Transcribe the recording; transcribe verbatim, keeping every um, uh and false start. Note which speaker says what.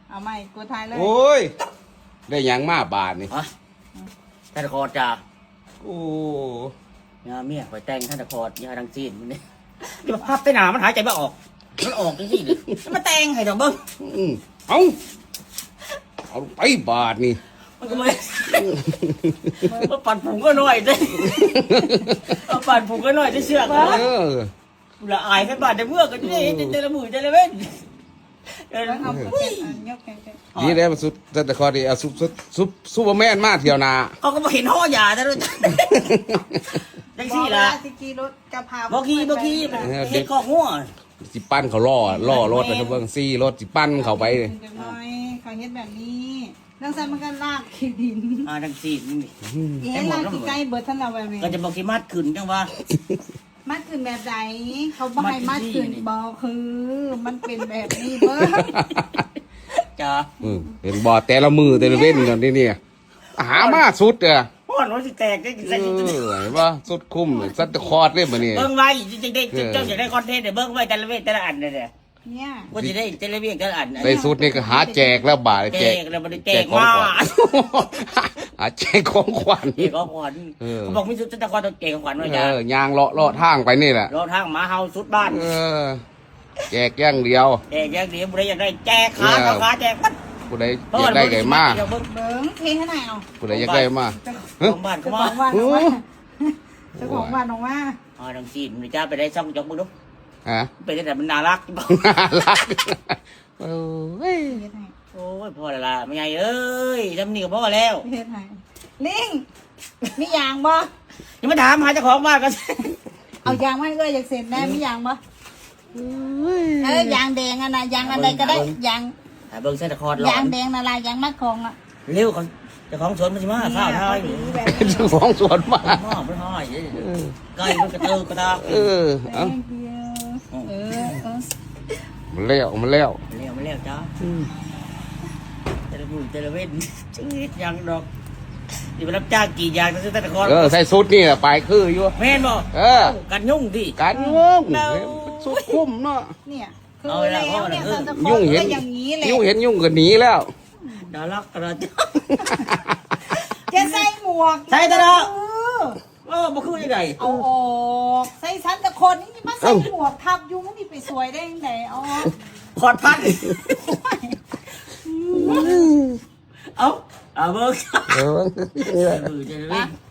Speaker 1: เอาใหม่กูทายเลย
Speaker 2: โอ้ยได้หยังมาบาทนี่
Speaker 3: ฮะท่านตะคอดจ้า
Speaker 2: โอ้
Speaker 3: เนี่ยเมียคอยแต่งท่านตะคอดยาดังจีนมันนี่ที่มาพับไปหนามันหายใจไม่ออกมันออกจริงๆเลยมันแต่งให้ดอกเบิ้ง
Speaker 2: อืมเอาเอาไปบาทนี่
Speaker 3: มันก็ไม่มาปั่นผงก็หน่อยได้มาปั่นผงก็หน่อยได้เชือก
Speaker 2: เออ
Speaker 3: ละอายแค่บาดแต่เมื่อก็จะได้เจละหมื่นเจละเว้นเออ
Speaker 1: แล้วเอาไปเก็บอันยกแกะ
Speaker 2: นี่ได้มาสุดแต่คอดีเอาซุปซุปซุปซูเปอร์แมนมาเที่ยวนา
Speaker 3: เขาก็มาเห็นห่อยาแต่ด้วยจัง
Speaker 1: ๆ
Speaker 3: สี่ละ
Speaker 1: สิกีรถกะเพรา
Speaker 3: บอกกี้บอกกี้เห็ดข้อหัว
Speaker 2: สิปั้นเขาล่อล่อรถนะครับเบิ่งซี่รถสิปั้นเขาไปเลย
Speaker 1: จังน้อยเขาเฮ็ดแบบนี้เรื่องซันมันก็ลากขี้ดิน
Speaker 3: อ่าจังสี่นี่
Speaker 1: เอ๊ะลากขี้ไก่เบิดท่านเราแบบนี้
Speaker 3: ก็จะบอกที่มัดขึ้นจังว่า
Speaker 1: มัดขึ้นแบบใดเขาบ่ให้มัดขึ้นบ่คือ มันเป็นแบบนี้เบิด
Speaker 3: จ้า
Speaker 2: อืมเห็นบ่แต่ละมือแต่ละเว้นกันที่นี่หามาสุดเด้อ
Speaker 3: พ่อนว่าสิแตกได้
Speaker 2: เออเห็นบ่สุดคุ้มเลยสัตว์คอร์ดเลยบัดนี้
Speaker 3: เบิ้งไว้จริงๆได้เจ้าอยากได้คอนเทนต์เดี๋ยวเบิ้งไว้แต่ละเวทแต่ละอันเนี่ย
Speaker 1: เนี่ย
Speaker 3: ว่าจะได้แต่ละเวทแต่ละอัน
Speaker 2: ใส่สุดนี่ก็หาแจกแล้วบาท
Speaker 3: แจ
Speaker 2: แจก
Speaker 3: กแล้วมันแจก
Speaker 2: ของ
Speaker 3: มา
Speaker 2: ขวัญหาแจกของขวัญ
Speaker 3: แจกของขวัญเขาบอกมีสุดตะกอนต้องแจกของขวัญไว้
Speaker 2: เอ
Speaker 3: จ้า
Speaker 2: อยางเลาะเลาะทางไปนี่แหละ
Speaker 3: รอทางหมาเฮาสุดบ้าน
Speaker 2: เออแจกอย่างเดียว
Speaker 3: แจกอย่างเดียวบุรีอยากได้แจกขาขาขาแจกมัด
Speaker 2: ผู้ใดอยากได้ไก่มา
Speaker 3: เบิ้ง
Speaker 1: เบิ้งเทให้หน่อยเอา
Speaker 2: ผู้ใดอยากได้มา
Speaker 3: ของบ้าน
Speaker 1: เจ้า
Speaker 3: เขา
Speaker 1: ข
Speaker 3: มา
Speaker 1: องบ้านออกมาเจ้าของบ้านออกมา
Speaker 3: อ๋อดังจีนมันจ้าไปได้ช่องจอกมึงดู
Speaker 2: ฮะ
Speaker 3: ไปได้แต่มันน่ารัก
Speaker 2: น่ารักโอ้ย
Speaker 1: เฮ็ดให้
Speaker 3: โอ้ยพ่อละละไม่ไงเอ้ยทำนี่กับพ่อแล้ว
Speaker 1: เฮ็ดให้ลิงมียางบ่
Speaker 3: ยังมาถามหาเจ้าของบ้านกัน
Speaker 1: เอายางมาให้เอ้ยอยากเสร็จแน่มียางบ่เอ้ยยางแดงอะนะยางอะไรก็ได้ยาง
Speaker 3: เบิ้งเส้นตะคอดหลอย
Speaker 1: าง
Speaker 3: น
Speaker 1: แดงละลายยางมัดคองอ่ะ
Speaker 3: เร็วเขาเจ้าของสวนมันสิมาข้าวไทย
Speaker 1: แบบ
Speaker 2: เจ้าของสวนมา
Speaker 3: หม้อมันห้อยไก่มันกระเตือกระตาก
Speaker 2: เออเอา
Speaker 1: เออเออ
Speaker 2: มันแล้วมันแล้ว
Speaker 3: เร็วไม่เร็วจ้าแต่ละมือแต่ละเว้นชื่อยังดอกนี่ไปรับจ้างกี่อย่างนั่นเส้นตะคอด
Speaker 2: เออใส่สุดนี่แหละไปคืออยู่
Speaker 3: แม่นบ่
Speaker 2: เออ
Speaker 3: กันยุ่งดิ
Speaker 2: การงงสุดคุ้มเนาะ
Speaker 1: เนี่ยคือแล้วเนี่ยซันตะคอ
Speaker 2: ยุ่ง
Speaker 1: ก็
Speaker 2: เห็น
Speaker 1: อย่างนี้แหละ
Speaker 2: ยุ่งเห็นยุ่งก็หนีแล้ว
Speaker 3: ดารักกระจ้า
Speaker 1: จะใส่หมวก
Speaker 3: ใส่ตะเนาะ
Speaker 1: เออ
Speaker 3: เออบ่คือยังไง
Speaker 1: เอาออกใส่ซันตะคนนี่มาใส่หมวกทับยุงนี่ไปสวยได้ยังไงอ๋อ
Speaker 3: ขอดพันเอาเอาเบิ้ง
Speaker 2: เออ
Speaker 3: มือจะเล่น